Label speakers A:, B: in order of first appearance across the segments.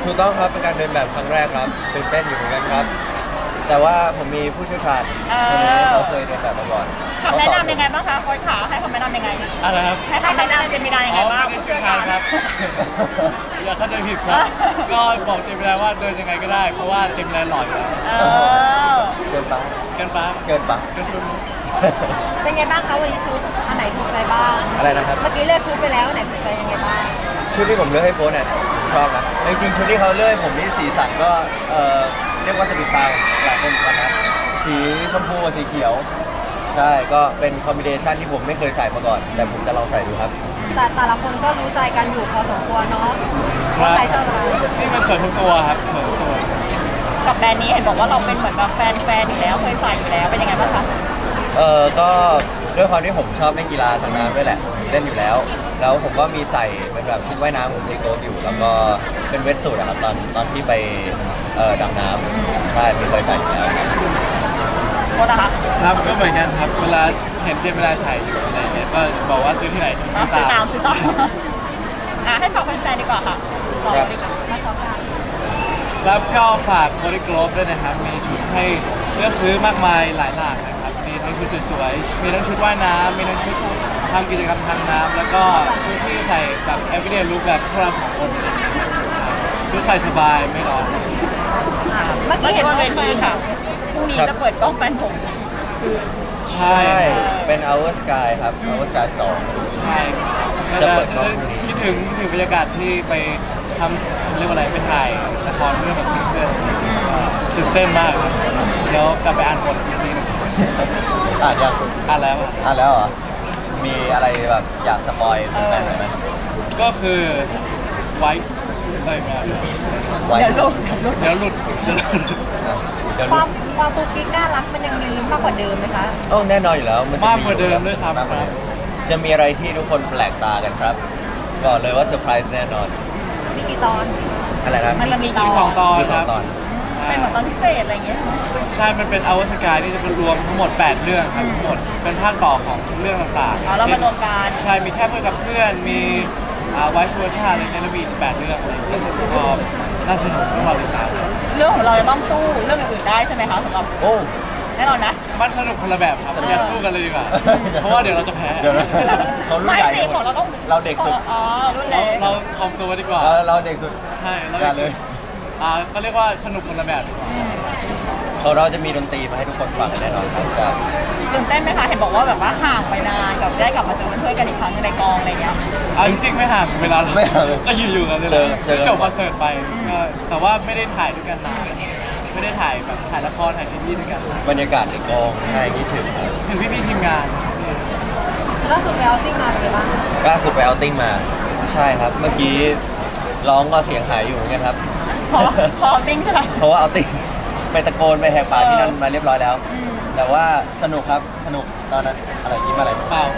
A: ถูกต้องครับเป็นการเดินแบบครั้งแรกครับตื่นเต้นอยู่เหมือนกันครับแต่ว่าผมมีผู้เชี่ยวชาญคนนี้เขาเคยเดินแบบมาก่อน
B: คำแนะนำยังไงบ้างคะโค้ชขาให้คำแนะนำยังไง
C: อะไรครับ
B: ให้คำแนะนำเจมินายังไงบ้างผู้เชี่ยวชาญ
C: ครับ อย่าเข้าใจผิดครับก็บอกเจมินายว่าเดินยังไงก็ได้เพราะว่าเจมินายหล่ออยู่แล้ว
B: เออ
A: เกินปะ
C: เกินปะ
A: เกินปะ
C: เกินปุ้
D: เป็นไงบ้างคะวันนี้ชุดอันไหนถูกใจบ้าง
A: อะไรนะครับ
D: เมื่อกี้เลือกชุดไปแล้วไหนถูกใจยังไงบ้าง
A: ชุดที่ผมเลือกให้โฟนเนี่ยชอบนะจริงๆชุดที่เขาเลือกให้ผมนี่สีสันก็เรียกว่าสะดุดตาหลายคนเหมือนกันนะสีชมพูกับสีเขียวใช่ก็เป็นคอมบิเนชันที่ผมไม่เคยใส่มาก่อน แต่ผมจะลองใส่ดูครับ
D: แต่ละคนก็รู้ใจกันอยู่พอสมควรเนาะว่าใครชอบอะไร
C: นี่มันสวยทุกตัวครับสวยทุกตัว
B: กับแบรนด์นี้เห็นบอกว่าเราเป็นเหมือนแบบแฟนอยู่แล้วเคยใส่อยู่แล้วเป็นยังไงบ้างคะ
A: ก็ด้วยความที่ผมชอบเล่นกีฬาทางน้ำด้วยแหละเล่นอยู่แล้ว แล้วผมก็มีใส่เป็นแบบชุดว่ายน้ำผมเพลย์โกลฟอยู่ แล้วก็เป็นเวทสูทอะครับตอนที่ไปดำน้ำใช่มีเคยใส่อยู่แล้วครับ
B: โค้ชนะคะ
C: ครับก็เหมือนกันครับเวลาเห็นเจมินายใส่อยู่อะไรเงี้ยก็บอกว่าซื้อที่ไหน
B: ซื้อตามให้ฝากแฟนๆดีกว่าค่ะต่อเลยดีกว่า
D: มาช็อปกัน
C: รับก็ฝากโคดิโกลฟด้วยนะครับมีชุดให้เลือกซื้อมากมายหลายหลากนะครับมีทั้งชุดสวยๆมีทั้งชุดว่ายน้ำมีทั้งชุดทำกิจกรรมทางน้ำแล้วก็ชุดที่ใส่แบบ everyday look แบบพวกเราสองคนชุดใส่สบายไม่ร้อน
D: เมื่อ
B: ก็
D: กี้
B: เห็
D: เห็
B: น
D: น
B: บ
D: ว่าน
B: เวทีค่ะพรุ่งนี้จะเปิดกล้องแฟนผมคือ
A: ใช่ เป็น Our Sky ครับ Our Sky 2
C: ใช่
A: จะเปิดกล้อง
C: คิดถึงบรรยากาศที่ไปทำเรียกว่าอะไรไปถ่ายละครเรื่องแบบเพื่อนๆตื่นเต้นมากเดี๋ยวกลับไปอ่านบทอีกทีนึง
A: อ่านยัง
C: อ่านแล้ว
A: อ่านแล้วเหรอ มีอะไรแบบอยากสปอยแฟนๆหน่อยไหม
C: ก็คือไวส์อะไรมา
A: ไว้
B: เดี๋ยวลูก
C: เดี๋ยวหลุดเดี๋ยวหลุด
A: เดี๋ยว
D: ความกุ๊กกิ๊กน่ารักมันยังมีมากกว่าเดิมไหมคะ
A: แน่นอนอยู่แล้วมันจะ
C: มาก
A: มี
C: กว่าเดิมด้วยซ้ำ
A: มาก
C: ค
A: กว่า
C: รับ
A: เดิมจะมีอะไรที่ทุกคนแปลกตากันครับบอกเลยว่าเซอร์ไพรส์แน่นอน
D: มีกี่ตอน
A: อะไรนะ
B: มันจะมี
C: มีสองตอน
A: มี
C: ค
A: สอ
C: รั
A: ง
C: บ
A: ตอน
B: เป็นเหมือนตอนพิเศษอะไรอย่างเงี้ย
C: ใช่ มันเป็นอวสกายนี่จะเป็นรวมทั้งหมด 8 เรื่องครับทั้งหมดเป็นภาคต่อของเรื่องต่างๆ
B: อ๋อเรามารวมกัน
C: ใช่ มีแค่เพื่อนกับเพื่อน มีไวท์เวอร์ชันอะไรเงี้ยแล้วมีอีก8 เรื่องอะไรเงี้ยก็น่าสนุกต้องรอติดตาม
B: เรื่องของเราจะต้องสู้เรื่องอื่นๆได้ใช่ไหมคะสำหรับ
A: โอ้
B: แน่นอนนะ
C: มันสนุกคนละแบบครับอย่าสู้กันเลยดีกว่า เพราะว่าเดี๋ยวเราจะแพ้
A: เดี๋ยวนะเขารุ่น
B: ไม่
A: ใหญ่
B: สิของเราต้อง
A: เราเด็กสุด
B: อ๋อรุ่นเล็
C: เรา
B: ก
C: ทอมตัวดีกว่า
A: เราเด็กสุด
C: ใช่เรา
A: อย่าเลย
C: ก็เรียกว่าสนุกคนละแบบดีกว่า
A: เราจะมีดนตรีมาให้ทุกคนฟังกันแน่นอนครับใช่
B: ตื่นเต้นไหมคะเห็นบอกว่าแบบว่าห่างไปนานกับได้กลับมาเจอเพื่อนๆกันอีกครั้งในกองอะไรอย่างเงี้ย
C: เอาจริงๆไม่ห่างเวลาเรา
A: ไม่ห่างเลย
C: ก็อยู่ๆกันเลย
A: เจอกัน
C: จบคอนเสิร์ตไปก็แต่ว่าไม่ได้ถ่ายด้วยกันนานไม่ได้ถ่ายแบบถ่ายละครถ่ายซีรีส์ด้วยกัน
A: บรรยากาศในกองใช่คิดถึงครับ
C: ถึงพี่ๆทีมงาน
D: ล่าสุดไปเอาติ้งมาเป็นไงบ้าง
A: ล่าสุดไปเอาติ้งมา ใช่ครับ เมื่อกี้ร้องก็เสียงหายอยู่เหมือนกันครับ
B: พอติ้งใช่ไหม
A: เพราะว่าเอาติ้งไปตะโกนไปแหกปากที่นั่นมาเรียบร้อยแล้ว แต่ว่าสนุกครับสนุกตอนนั้นอะไรยิ้มอะไร
C: เปล่า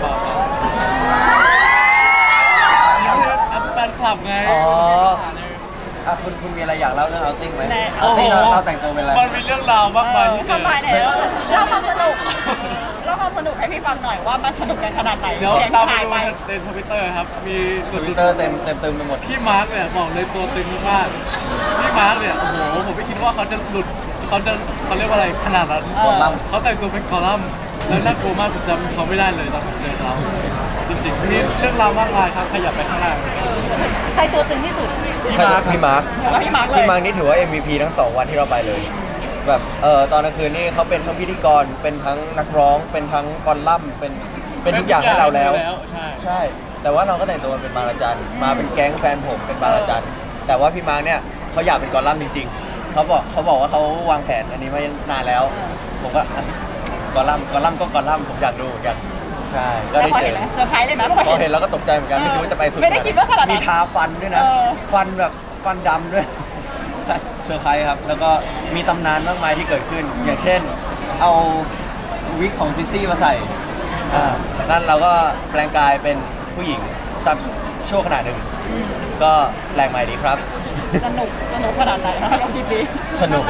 C: แฟนคลับไง
A: อ๋อคุณมีอะไรอยากเล่าเรื่องเอาติ้งไหม
C: โอ้
A: เอา
C: โห
A: ติ้งเราแต่งตัวเป็นอะไร
C: มันมีเรื่องราวมากมายที่เจอ
B: ทำไมเนี่ยเล่าความสนุกเล่าความสนุกให้พี่ฟังหน่อยว่ามันสนุกกันขนาดไหน
C: เดี๋ยว
B: เสียง
C: ตามไป
B: หาย
C: ดู
B: ไป
C: ในทวิตเตอร์ครับ มี
A: ทวิตเตอร์เต็มตึมไปหมด
C: พี่มาร์กเนี่ยบอกเลยตัวตึงมากพี่มาร์กเนี่ยโอ้โหผมไม่คิดว่าเขาจะหลุดเขาเรียกว่าอะไรขนาดนั้น
A: กอลัมน์
C: เขาแต่งตัวเป็นคอลัมน์แล้วน่ากลัวมากผมจำเขาไม่ได้เลยตอนผมเจอเขาจริงๆมีเรื่องราวมากมายครับขยับไปข้างหน้า
D: ใครตัวตึงที่สุด
C: พี่มาร์ค
A: พี่มาร์ค
B: เดี๋ยวว่าพี่มาร์กเลย
A: พี่มาร์คนี่ถือว่า MVP ทั้ง 2 วันที่เราไปเลย แบบตอนกลางคืนนี่เขาเป็นทั้งพิธีกรเป็นทั้งนักร้อง เป็นทั้งกอลัมน์เป็นทุกอย่างให้เราแล้ว
C: ใช่
A: ใช่ แต่ว่าเราก็แต่งตัวเป็นบางระจันมาเป็นแก๊งแฟนผมเป็นบางระจันแต่ว่าพี่มาร์คเนี่ยเขาอยากเป็นกอลัมน์จริงๆเขาบอกว่าเขาวางแผนอันนี้มานานแล้ว ผมก็อ่ะกอลัมน์ก็กอลัมน์ผมอยากดูเหมือนกันใช่ก็
B: แล้ว
A: ได้
B: พอ
A: เจ
B: เห็น
A: อ
B: ไหมเซอร์ไพรส์เลยไหม
A: พอเห็นแล้วก็ตกใจเหมือนกันไม่คิดว่าจะไปสุด
B: ไม่ได้คิดว่าขนาดนั้น
A: มีทาฟันด้วยนะ ฟันแบบฟันดำด้วย ใช่เซอร์ไพรส์ครับ แล้วก็มีตำนานมากมายที่เกิดขึ้น อย่างเช่น เอาวิกของซิซี่มาใส่นั่นเราก็แปลงกายเป็นผู้หญิงสักชั่วขณะหนึ่ง ก็แปลงใหม่ดีครับ
B: สนุกขนาดไหนนะลองคิดดี
A: สนุก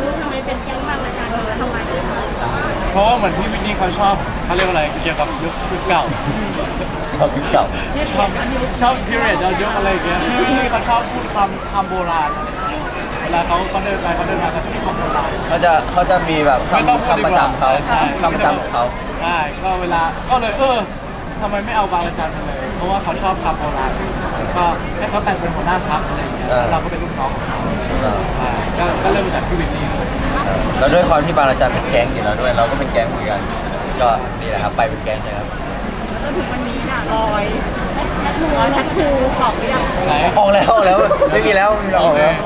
C: เพราะว่าเหมือนพี่วินนี่เขาชอบเขาเรียกว่าอะไรเกี่ยวกับยุคเก่า
A: ชอบยุคเก่า
C: ชอบพีเรียดยุคอะไรอย่างเงี้ยพี่เขาชอบพูดคำโบราณอะไรอย่างเงี้ยลาเขาเดินไปเขาเดินมาเขาจะมีความโบราณ
A: เขาจะมีแบบ
C: ไม่ต้อง
A: คำประจำเขา
C: ใช่
A: คำประจำของเขา
C: ใช่ก็เวลาก็เลยทำไมไม่เอาบางระจันมาเลย เพราะว่าเขาชอบคำโบราณก็ให้เขาแต่งเป็นหัวหน้าทัพอะไรอย่างเงี้ยแล้วเราก็เป็นลูกน้องของเขาใช่ก็เริ่มมาจากพี่วินนี่เลย
A: แล้วด้วยความที่บางระจันเป็นแก๊งอยู่แล้วด้วย เราก็เป็นแก๊งเหมือนกัน ก็นี่แหละครับไปเป็นแก๊งเลยครับ
B: จนถึงวันนี้น่ะรอยแท็กทูของหรือยัง
C: ไหน
A: ออกแล้วไม่มีแล้วออกแล้ว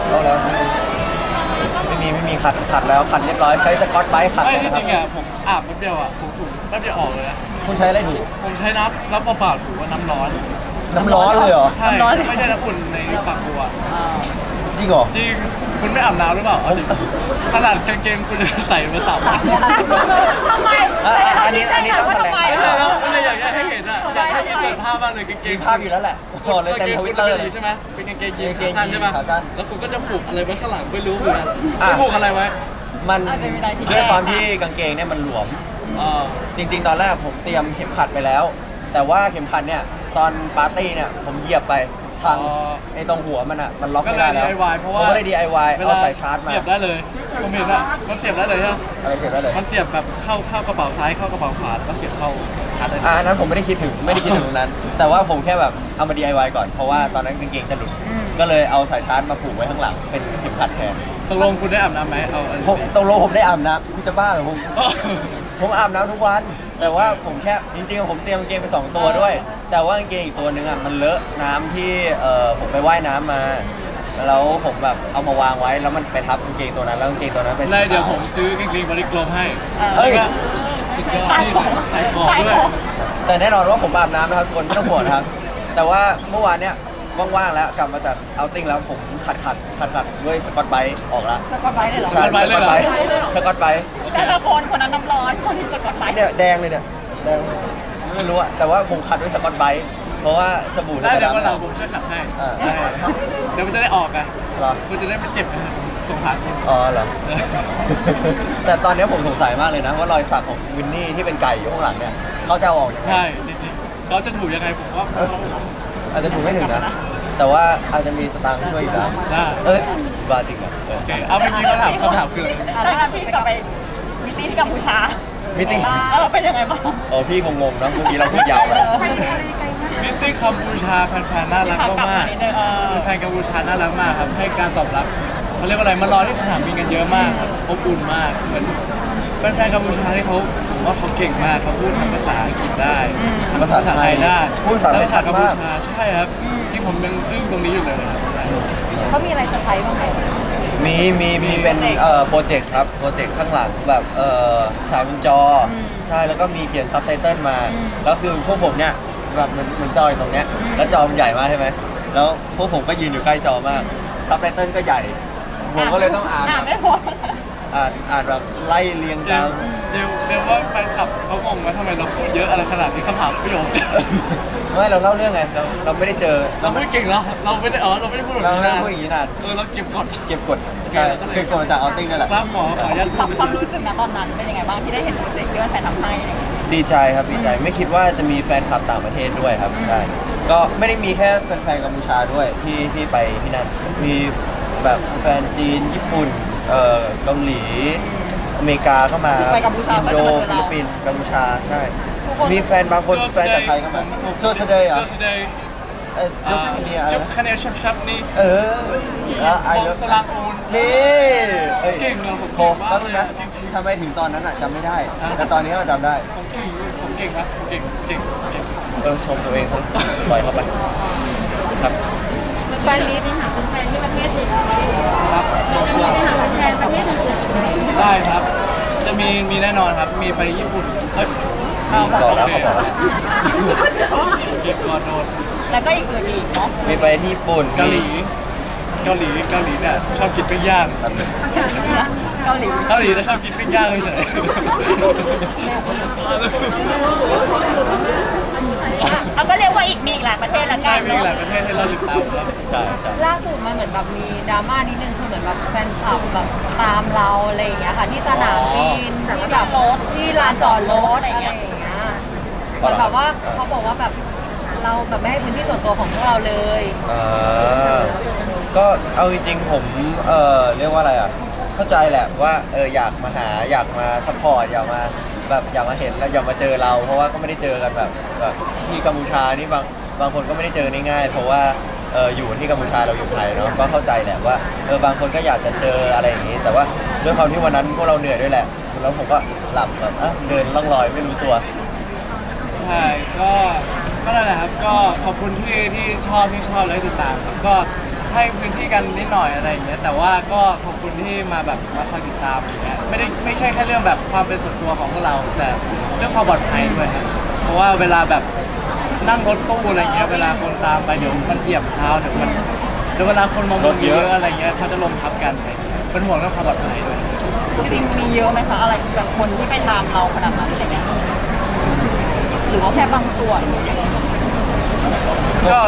A: ไม่มีขัดแล้วขัดเรียบร้อยใช้สกอตไบรท์ขัด
C: ไม่
A: เลย
C: จ
A: นะครับ
C: ริงๆอ่ะผมอาบแป๊บเดียวอ่ะผมถูแป๊บเดียวออกเลยนะ
A: คุณใช้อะไรถูก
C: ผมใช้น้ำเปล่าๆถูว่าน้ำร้อน
A: น้ำร้อนเลยเหรอ
C: ใช่ไม่ใช่น้ำอุ่นในปากบัว
A: จริงเหรอ
C: จริงคุณไม่อาบน้ำหรือเปล่าเอาดิขนาดกางเกงคุณใส่มา3 วัน
B: ทำไม
A: อันนี้ต้องแถลง
C: ไม่ใช่แล้วก็เลยอยากให้เห็นอ่ะอยากให้เห็นภาพบ้างเลยกางเก
A: มี
C: ง
A: ภาพอยู่แล้วแหละโอ้เลยเต็มทวิตเตอร์เลย
C: ใช่ไหมเป็นกางเกงยีน
A: กางเกง
C: ขาสั้น
A: ยีน
C: ใช่ปะ
A: ขาสั้น
C: แล้วคุณก็จะผูกอะไรไว้ข้างหลังไม่รู้เหมือนกัน
A: อ่ะ
C: คุณผูกอะไรไว้
A: มันด้วยความที่กางเกงเนี่ยมันหลวม
C: อ่า
A: จริงๆ ตอนแรกผมเตรียมเข็มขัดไปแล้ว แต่ว่าเข็มขัดเนี่ยตอนปาร์ตี้เนี่ยผมเหยียบไปพังไอ้ตรงหัวมันอ่ะมันล็อก
C: ก็
A: ไม่
C: เล
A: ได้
C: ย
A: แล้ว
C: DIY เพราะว่า
A: ผมก็เลย DIY เอาสายชาร์จมา
C: เสียบได้เลยผมเห็นอ่ะมันเสียบได้เลยใช่ไหม
A: อะไรเสร็จได้เลย
C: มันเสียบแบบเข้ากระเป๋าซ้ายเข้ากระเป๋าขวาแล้วก็เสียบเข้าชาร์จได้เลย
A: อันนั้นผมไม่ได้คิดถึงตรงนั้น แต่ว่าผมแค่แบบเอามา DIY ก่อนเพราะว่าตอนนั้นกางเกงจะหลุดก็เลยเอาสายชาร์จมาผูกไว้ข้างหลังเป็นเข็มขัดแทน
C: ตกลงคุณได้อาบน้ำไหมเอาอันนี้
A: ผมตกลงผมได้อาบน้ำคุณจะบ้าเหรอผมอาบน้ำทุกวัน แต่ว่าผมแค่จริงๆผมเตรียมกางเกงไป2 ตัวด้วย แต่ว่ากางเกงอีกตัวนึงอ่ะมันเลอะน้ำที่ผมไปว่ายน้ำมา แล้วผมแบบเอามาวางไว้แล้วมันไปทับกางเกงตัวนั้นแล้วกางเกงตัวนั้นเป็นสี
C: ได้
A: ขาว
C: เดี๋ยวผมซื้อกางเกงบริกรมให้
A: เอ้ย
C: สุดยอด
B: ขาย
C: นี่
B: ของ
C: ขายของ
B: ขาย
C: ด้วย
B: ของ
A: แต่แน่นอนว่าผมอาบน้ำนะครับทุกคนไม่ต้องห่วงนะครับ แต่ว่าเมื่อวานเนี้ยว่างๆแล้วกลับมาจากเอาท์ติ้งแล้วผมขัดด้วยสกอตไบรท์ออกละ
D: สกอตไบรท์เลยเหรอ
A: ใช่สกอตไบรท์สกอตไบรท์
B: แต่ละคนนั้นน้ำร้อนคนที่สะกดไลท์
A: เนี่ยแดงเลยเนี่ยแดงไม่รู้อะแต่ว่าผมขัดด้วยสกอตไบรท์เพราะว่าสบู่
C: ได้เดี๋ยว
A: ธร
C: วัน
A: ร
C: หลั
A: ม
C: งผมช่วยขัดให้
A: อ่า
C: ได้เดี๋ยวมันจะได้ออกไง
A: เหรอ
C: คุณจะได้ไม่เจ็บสงสารคุณ
A: อ๋อเหรอ แต่ตอนเนี้ยผมสงสัยมากเลยนะว่ารอยสักของวินนี่ที่เป็นไก่อยู่ข้างหลังเนี่ยเขาจะเอาออกยังไง
C: ใช่จริงๆเขาจะถูกยังไงผมว่า
A: อาจจะถูกไม่ถึงนะ แต่ว่าอาจจะมีสตางค์ช่วยอยู่นะ
C: ได้
A: เอ้ยบาจริงเหรอเออ
C: โอเคเอาเมื่อกี้คำถามคืออะไร
B: แล้วพี่กลับไปมิตี้ที่กัมพูชา
A: มิติ้ง
B: เป็นยังไงบ้าง
A: พี่คงงงเนอะเมื่อกี้เราพูดยาวไป
C: มิติ้งกัมพูชาแฟนๆน่ารักมาก
B: นิดนึง
C: แฟนกัมพูชาน่ารักมากครับให้การตอบรับเขาเรียกว่าอะไรมารอที่สนามบินกันเยอะมากครับอบอุ่นมากเหมือนแฟนๆกัมพูชาที่เขาผมว่าเขาเก่งมากเขาพูดภาษาอังกฤษได้
A: ภาษาไทย
C: ได้
A: พูดภาษาไม่ชัดมาก
C: แล้วภษกัพูชใช่ครับที่ผมยังอึ้งตรงนี้อยู่เลยครับ
D: เขามีอะไรเซอร์ไพรส์บ้างไหม
A: มีเป็นโปรเจกต์ครับโปรเจกต์ข้างหลังแบบฉายบนจออใช่แล้วก็มีเขียนซับไตเติลมาแล้วคือพวกผมเนี่ยแบบเหมือนจออยู่ตรงเนี้ยแล้วจอมันใหญ่มากใช่ไหมแล้วพวกผมก็ยืนอยู่ใกล้จอมากซับไตเติลก็ใหญ่ผมก็เลยต้องอ่าน
B: ไม่พอ
A: อ่านแบบไล่เรียง
C: เดี๋ย
A: ตาว ม
C: เดี๋ยวว่าแฟนคลับเขางงว่าทำไมเราพูดเยอะอะไรขนาดนี้คำถามประโยคเดียว
A: ไม่เราเล่าเรื่องไงเราไม่ได้เจอ
C: เราไม่เก่งแล้วเราไม่ได้เราไม่ได้พูดแบบ
A: เรา
C: นี้
A: ไม่
C: นะ
A: ได้พูดอย่างนี้นาน
C: เราเก็บกด
A: เก็บกดใช่คือกดมาจากเอาติ้งนั่นแหละ
C: ครับขออนุญาตพูด
B: ความรู้สึกนะตอนนั้นเป็นยังไงบ้างที่ได้เห็นโปรเจกต์ที่แฟนทำให้อะไรอย่างเงี้ย
A: ดีใจครับดีใจไม่คิดว่าจะมีแฟนคลับต่างประเทศด้วยครับใช่ก็ไม่ได้มีแค่แฟนกัมพูชาด้วยที่ไปที่นั่นมีแบบแฟนจีนญี่ปุ่นเกาหลีอเมริกาก็มา
B: ไปกัมพูชา
A: อินโด
B: ก็จะมาเจอเรา
A: ฟิลิปปินส์กัมพูชาใช่มีแฟนบางคนแฟนจากไทยก็มาโซสเดย์เหรอ
C: โซสเดย์
A: จุ๊บเนี่ยอะไร
C: จุ๊บ
A: นะ
C: คะแนนชับๆนี่
A: แล้วไอ
C: โอ
A: เลิฟ
C: สลางอูน
A: นี่เอ้ย
C: เก่งอะผม
A: โค
C: เก่งมาก
A: แป๊บ
C: เล
A: นึ
C: ย
A: ง
C: อะ
A: นะ
C: จริง
A: ทำไมถึงตอนนั้นอะจำไม่ได้ แต่ตอนนี้เราจำได้
C: ผมเก่งนะผมเก่งเก่ง
A: ชมตัวเองเขาปล่อยเข้าไปครับ
D: แฟนมิตร
C: ครับได้ครับ จะมีแน่นอนครับ มีไปญี่ปุ่นเฮ้ย
A: บอกแล้วเขาบอกแล้ว
C: เก็บก่อนโดน
B: แล้วก็อีกอื่นอีกเนาะ
A: มีไปที่ญี่ปุ่น
C: เกาหลีเนี่ยชอบกินปิ้งย่าง
B: เกาหลี
C: เกาหลีจะชอบกินปิ้งย่างเฉย
B: เอาก็เรียกว่ามีอีกหลายประเทศละกั
C: ใช่
B: น
C: มีหลา
B: เนาะ
C: ยประเทศให้เราติดตามครับ
A: ใช่ใช่
D: ล่าสุดมันเหมือนแบบมีดราม่านิดนึงคือเหมือนแบบแฟนคลับแบบตามเราอะไรอย่างเงี้ยค่ะที่สนามบินที่แบบรถที่ลานจอดรถอะไรอย่างเงี้ยเหมือนแบบว่าเขาบอกว่าแบบเราแบบไม่ให้พื้นที่ส่วนตัวของพวกเราเลย
A: อ่าก็เอาจริงๆผมเรียกว่าอะไรอ่ะเข้าใจแหละว่าอยากมาหาอยากมาซัพพอร์ตอยากมาแบบอยากมาเห็นแล้วอยากมาเจอเรา เพราะว่าก็ไม่ได้เจอกันแบบที่กัมพูชานี่บางคนก็ไม่ได้เจอง่ายๆเพราะว่าอยู่ที่กัมพูชาเราอยู่ไทยเนาะก็เข้าใจแหละว่าบางคนก็อยากจะเจออะไรอย่างนี้ แต่ว่าด้วยความที่วันนั้นพวกเราเหนื่อยด้วยแหละแล้วผมก็หลับแบบเดินล่องลอยไม่รู้ตัว
C: ใช่ก็นั่นแหละครับก็ขอบคุณที่ชอบและติดตามครับก็ให้พื้นที่กันนิดหน่อยอะไรอย่างเงี้ยแต่ว่าก็ขอบคุณที่มาแบบมาคอยติดตามอย่างเงี้ยไม่ใช่แค่เรื่องแบบความเป็นส่วนตัวของพวกเรา แต่เรื่องความปลอดภัยด้วยครับเพราะว่าเวลาแบบนั่งรถตู้อะไรเงี้ยเวลาคนตามไปเดี๋ยวมันเหยียบเท้าเดี๋ยวเวลาคนมอง
A: รถเย
C: เย
A: อะ
C: อะอะไรเงี้ยเขาจะลงทับกันอะไรเงี้ยเป็นห่วงเรื่องความปลอดภัยด้วย
B: จริงๆมีเยอะไหมคะอะไรแบบคนที่ไปตามเราขนาดนั้นอะไรเงี้ยหรือว่าแค่บางส่วนหรือยังไง
C: ก็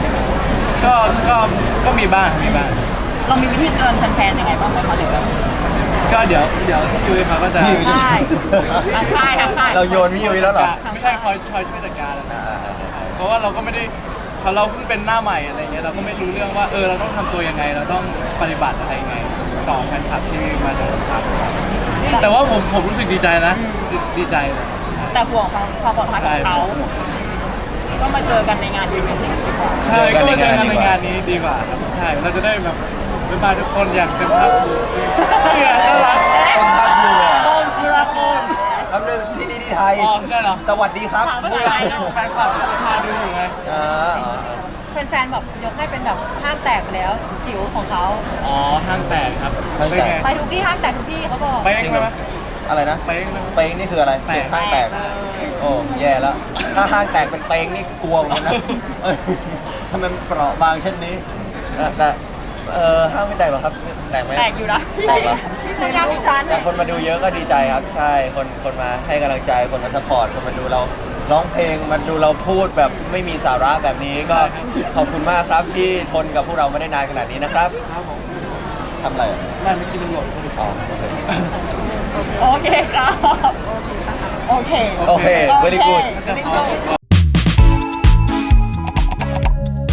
C: ก็มีบ้าง
B: เรามีวิธีเตือนแฟนๆยังไงบ้างไหมคะหรือแบบ
C: ก็เดี๋ยวยุ้ยเขาก็จะ
A: พี่ยุ้ย
B: ค่ายทางค่ายทางค่าย
A: เราโยนพี่ยุ้ยแล้วเหรอ
C: ไม่ใช่คอยช่วยจัดการอะไร
A: อ่า
C: เพราะว่าเราก็ไม่ได้เราเพิ่งเป็นหน้าใหม่อะไรเงี้ยเราก็ไม่รู้เรื่องว่าเราต้องทำตัวยังไง เราต้องปฏิบัติอะไรยังไงต่อแฟนคลับที่มาเดินทางแต่ว่าผมรู้สึกดีใจนะดีใจ
B: แต่ห่วงความปลอดภัยของเขาก็มาเจอกันในงานอีเวนต์นี้ดีกว่า
C: ใช่ก็มาเจอกันในงานนี้ดีกว่าครับใช่เราจะได้แบบบ๊ายบายทุกคนอย่างเต็มภาคภูมิเนี่ยน่ารัก
A: คนภาคภูมิอะ
C: โอมสุรพล
A: แป๊บนึงที่นี่ที่ไทย
C: อ๋อใช่เหรอ
A: สวัสดีครับ
C: ไม่เป็นไรแฟนคลับประชาดูอยู่ไง
A: อ่า
D: แฟนๆแบบยกให้เป็นแบบห้างแตกไปแล้วจิ๋วของเขา
C: อ๋อห้างแตกครับเป็นไง
D: ไปทุกที่ห้างแตกทุกที่เขาบอก
C: ไปเองไหม
A: อะไรนะ
C: ไปเองไหม
A: เป้งนี่คืออะไร
C: แตก
A: เสียงห้างแตก โอ้แย่แล้ว ถ้าห้างแตกเป็นเป้งนี่กลัวเหมือนกันนะเอ้ยทำไมมันเปราะบางเช่นนี้แต่ห้างไม่แตกหรอกครับแตกไหม
B: แตกอยู่นะ
A: แตกเหรอ
D: ในงานดิฉัน
A: แต่คนมาดูเยอะก็ดีใจครับ ใช่คนมาให้กำลังใจคนมาสปอร์ตคนมาดูเราร้องเพลงมาดูเราพูดแบบไม่มีสาระแบบนี้ก็ขอบคุณมากครับที่ทนกับพวกเรามาได้นานขนาดนี้นะครับ
C: ครับผม
A: ทำอะไรอ่ะ
C: ไม่เมื่อกี้มันหล่นคนอื่น
A: อ๋อโอเค
B: โอเคครับ โอเค
A: โอเค very good
B: โอเค